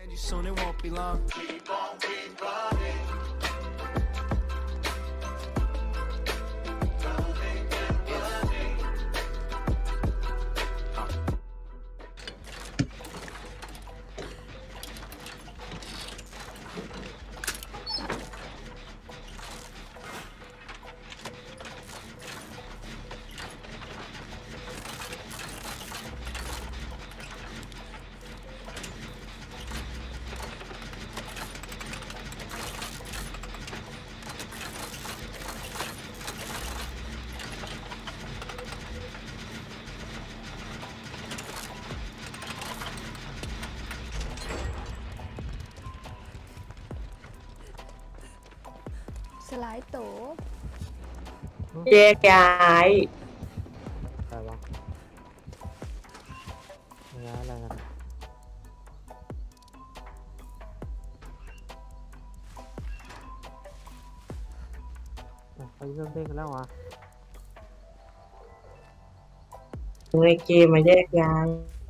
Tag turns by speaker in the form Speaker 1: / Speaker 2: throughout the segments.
Speaker 1: Soon it won't be long. Keep on keep running. Running and running.
Speaker 2: สลายโต
Speaker 3: แยกย้าย
Speaker 4: อะไรวะอะไรกันไปเริ่มเล่นกันแล้ววะ
Speaker 3: ในเกมมาแยกย้าย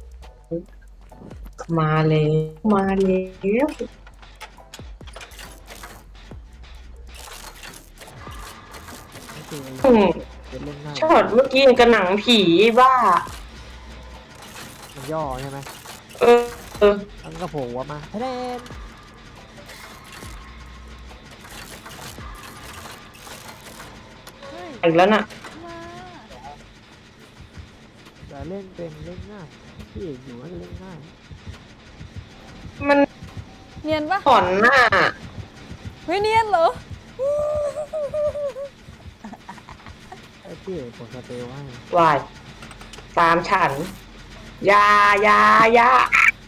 Speaker 3: มาเลยมาแล้ว
Speaker 4: นี่คือ
Speaker 3: อืม
Speaker 4: เป็นเล่นหน้า
Speaker 3: ช็อตเมื่อกี้ยังกับหนังผีบ้า
Speaker 4: มันย่อใช่ไหม
Speaker 3: เออ
Speaker 4: มันก็โผล่หัวมาเล่น
Speaker 2: เฮ้ย
Speaker 3: อีกแล้วน่ะ
Speaker 2: มา
Speaker 4: แต่เล่นเป็นเล่นง่ายพี่เอกอยู่ก็จะเล่นง่าย
Speaker 3: มัน
Speaker 2: เนียนปะ
Speaker 3: ถอนหน้า
Speaker 2: เฮ้ยเนียนเหรอ
Speaker 4: ไอ้พี่เอกกดสเตลให้
Speaker 3: วายตามฉันยายา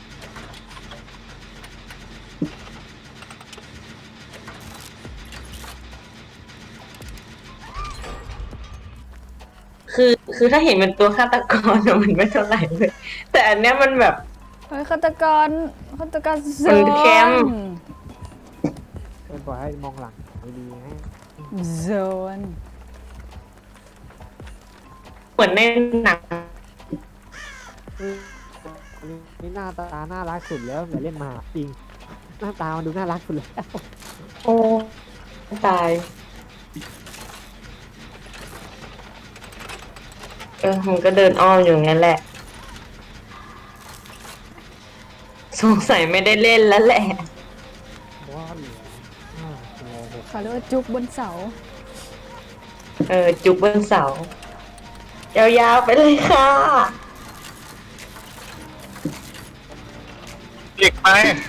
Speaker 3: คือถ้าเห็นเป็นตัวฆาตกรอะมันไม่เท่าไหร่เลย แต่อันเนี้ยมันแบบ
Speaker 2: เฮ้ยฆาตกรโซ
Speaker 3: มันแคมป์
Speaker 4: เป็นปล่อยให้มองหลังดีๆให้
Speaker 2: โซน
Speaker 3: เหมือนในหนัง
Speaker 4: นี่หน้าตาน่ารักสุดแล้วแต่เล่นมาจริงหน้าตามันดูน่ารักสุดแล้ว
Speaker 3: โอ้ตายมันก็เดินอ้อมอยู่งั้นแหละ สงสัยไม่ได้เล่นแล้วแหละ
Speaker 4: ว่าเหลือ5 ตัว
Speaker 2: เขาเรียกว่าจุกบนเสา
Speaker 3: จุกบนเสา ยาวๆไปเลยค่ะ
Speaker 5: เด็กไป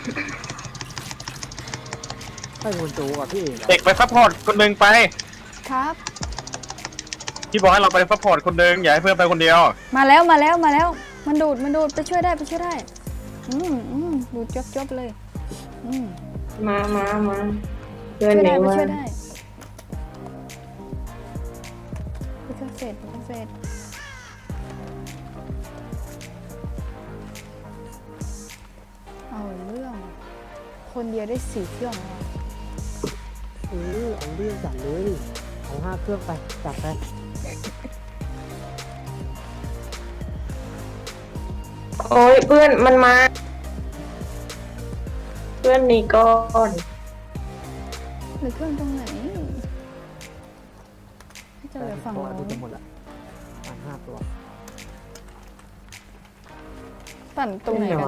Speaker 4: ให้คนจูกับพี่เอก
Speaker 5: เด็กไปซัพพอร์ตคนหนึ่งไป
Speaker 2: ครับ
Speaker 5: ที่บอกให้เราไปซัพพอร์ตคนหนึ่งอย่าให้เพื่อนไปคนเดียว
Speaker 2: มาแล้วมันดูดไปช่วยได้ดูดจบเลย
Speaker 3: มาเพื่อน
Speaker 2: ช่วย
Speaker 3: ห
Speaker 2: ได้
Speaker 3: นึ่ง
Speaker 2: ไป
Speaker 3: มา
Speaker 2: ช่วยได้ไปช่วยเสร็จเอาเรื่อง คนเดียวได้4 เครื่องแล้วอะ
Speaker 4: เอาเรื่องจัดเลยเอา5 เครื่องไปจัดไป
Speaker 3: โอ้ยเพื่อนมันมา เพื่อนนี่ก่อน
Speaker 2: หรือเครื่องตรงไหนให้เจอแต่ฝั่ง
Speaker 4: ตัว
Speaker 2: โน้
Speaker 4: จะ
Speaker 2: น
Speaker 4: หมดละประมาณ5 ตัว
Speaker 2: ปั่นตรงไหนกัน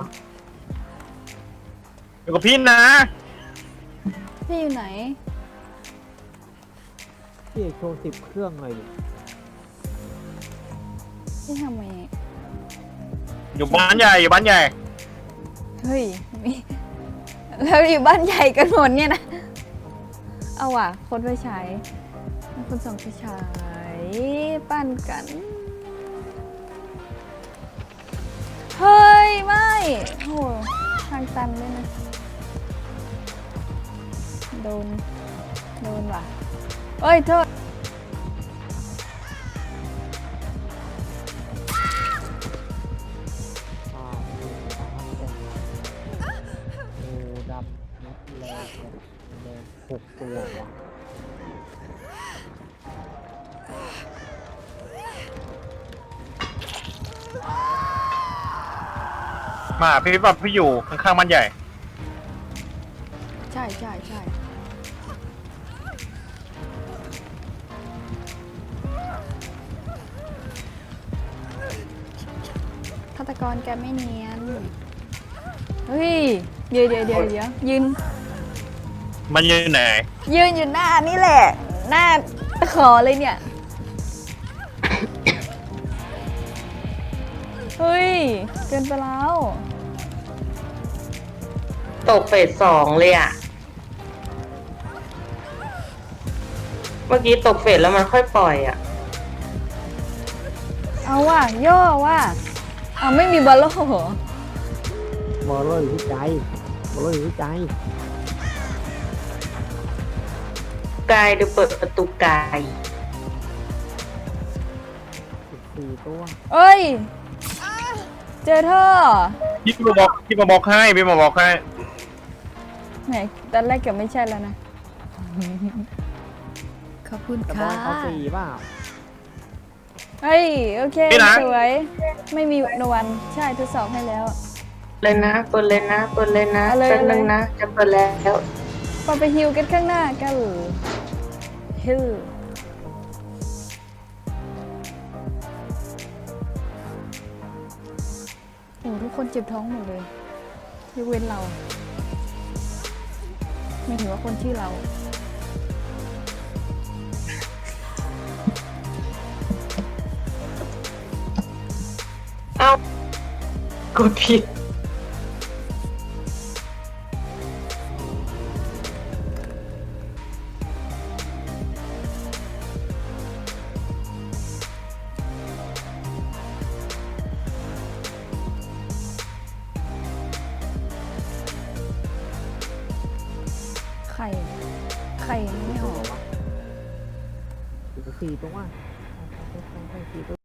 Speaker 5: อยู่กับพี่นะ
Speaker 2: พี่อยู่ไหน
Speaker 4: พี่เอกโชว์10 เครื่องเลยดิ
Speaker 2: พี่ทำไง
Speaker 5: อยู่บ้านใหญ่อยู่บ้านใหญ่
Speaker 2: เฮ้ยมีแล้วอยู่บ้านใหญ่กันหมดเนี่ยนะ เอาว่ะคนไปฉายคนส่องไปฉายปั้นกัน เฮ้ย ไม่โหทางตันด้วยนะ โดนว่ะเอ้ย โทษ
Speaker 4: งูดำนัดแรงแดง6 ตัวว่ะ
Speaker 5: มาพี่แบบพี่อยู่ข้างๆบ้านใหญ่
Speaker 2: ใช่ใช่ใช่ฆาตกรแกไม่เนียน เฮ้ย เดี๋ยวยืน
Speaker 5: มันยืนไหน
Speaker 2: ยืนอยู่หน้านี่แหละ หน้าขอเลยเนี่ย เฮ้ย เกินไปแล้ว
Speaker 3: ตกเฟส2เลยอ่ะ เมื่อกี้ตกเฟสแล้วมันค่อยปล่อยอ่ะ
Speaker 2: เอาว่ะย่อว่ะเอาไม่มีบอลโล่เหรอบ
Speaker 4: อลโลอยู่ที่ใจบอลโลอยู่ที่ใจ
Speaker 3: กายดูเปิดประตูกาย
Speaker 4: 14 ตัว
Speaker 2: เอ้ย เจอเธอ
Speaker 5: พี่มาบอกให้พี่มาบอกให้
Speaker 2: ไหนตอนแรกเกือบไม่ใช่แล้วนะ ขอบคุณ
Speaker 4: แต่บอ
Speaker 2: ค่ะ
Speaker 4: ลเขา4เปล่า
Speaker 2: เฮ้ย โอเค
Speaker 5: นี่นะ
Speaker 2: สวย ไม่มีนวันใช่ทดสอบให้แล้ว
Speaker 3: เลยนะเปิดเลยนะเปิดเลยนะ
Speaker 2: เอาเลย
Speaker 3: แป๊บนึงนะ จะเปิดแล้ว
Speaker 2: พอไปฮิวกันข้างหน้ากันฮิวโอ้ทุกคนเจ็บท้องหมดเลยยกเว้นเรา ไม่ถือว่าคนชื่อเรา
Speaker 3: เอ้า กดผิด
Speaker 2: ไข่ไม่ออก
Speaker 4: 4 ตัว 4 ตัว